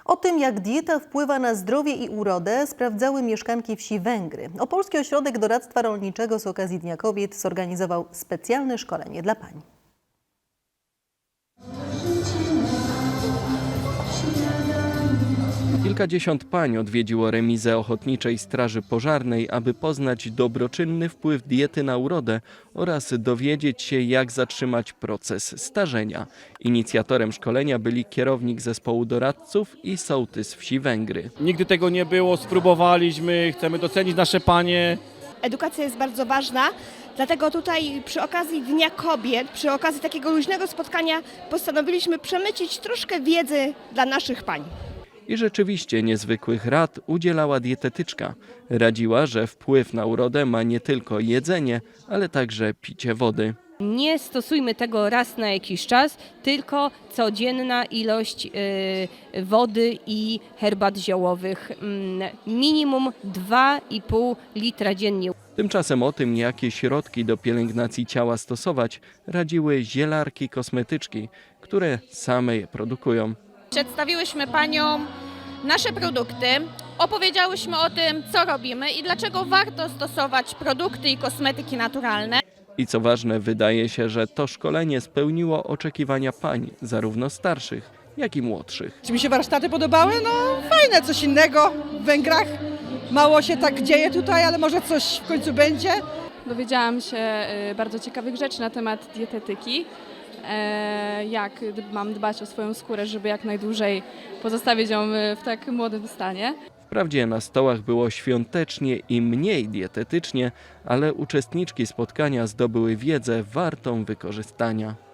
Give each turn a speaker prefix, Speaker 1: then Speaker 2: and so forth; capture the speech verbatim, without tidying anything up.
Speaker 1: O tym, jak dieta wpływa na zdrowie i urodę, sprawdzały mieszkanki wsi Węgry. Opolski Ośrodek Doradztwa Rolniczego z okazji Dnia Kobiet zorganizował specjalne szkolenie dla pań.
Speaker 2: Kilkadziesiąt pań odwiedziło remizę Ochotniczej Straży Pożarnej, aby poznać dobroczynny wpływ diety na urodę oraz dowiedzieć się, jak zatrzymać proces starzenia. Inicjatorem szkolenia byli kierownik zespołu doradców i sołtys wsi Węgry.
Speaker 3: Nigdy tego nie było, spróbowaliśmy, chcemy docenić nasze panie.
Speaker 4: Edukacja jest bardzo ważna, dlatego tutaj przy okazji Dnia Kobiet, przy okazji takiego luźnego spotkania postanowiliśmy przemycić troszkę wiedzy dla naszych pań.
Speaker 2: I rzeczywiście niezwykłych rad udzielała dietetyczka. Radziła, że wpływ na urodę ma nie tylko jedzenie, ale także picie wody.
Speaker 5: Nie stosujmy tego raz na jakiś czas, tylko codzienna ilość y, wody i herbat ziołowych. Y, minimum dwa i pół litra dziennie.
Speaker 2: Tymczasem o tym, jakie środki do pielęgnacji ciała stosować, radziły zielarki kosmetyczki, które same je produkują.
Speaker 6: Przedstawiłyśmy paniom nasze produkty, opowiedziałyśmy o tym, co robimy i dlaczego warto stosować produkty i kosmetyki naturalne.
Speaker 2: I co ważne, wydaje się, że to szkolenie spełniło oczekiwania pań, zarówno starszych, jak i młodszych.
Speaker 7: Czy mi się warsztaty podobały? No fajne, coś innego w Węgrach. Mało się tak dzieje tutaj, ale może coś w końcu będzie.
Speaker 8: Dowiedziałam się bardzo ciekawych rzeczy na temat dietetyki. Jak mam dbać o swoją skórę, żeby jak najdłużej pozostawić ją w tak młodym stanie.
Speaker 2: Wprawdzie na stołach było świątecznie i mniej dietetycznie, ale uczestniczki spotkania zdobyły wiedzę wartą wykorzystania.